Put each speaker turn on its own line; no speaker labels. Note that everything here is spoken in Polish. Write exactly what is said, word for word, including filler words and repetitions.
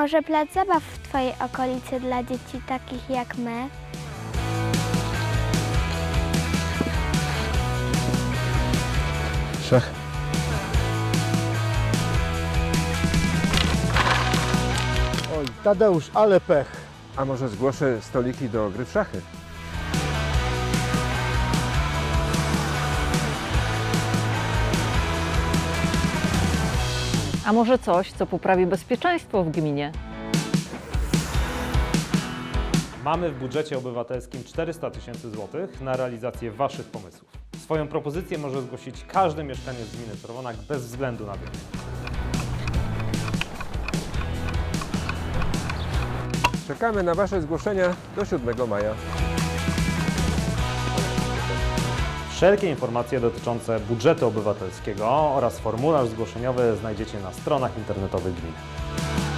może plac zabaw w Twojej okolicy dla dzieci takich jak my?
Szach.
Oj, Tadeusz, ale pech.
A może zgłoszę stoliki do gry w szachy?
A może coś, co poprawi bezpieczeństwo w gminie?
Mamy w budżecie obywatelskim czterysta tysięcy złotych na realizację Waszych pomysłów. Swoją propozycję może zgłosić każdy mieszkaniec gminy Czerwonak bez względu na wiek.
Czekamy na Wasze zgłoszenia do siódmego maja.
Wszelkie informacje dotyczące budżetu obywatelskiego oraz formularz zgłoszeniowy znajdziecie na stronach internetowych gminy.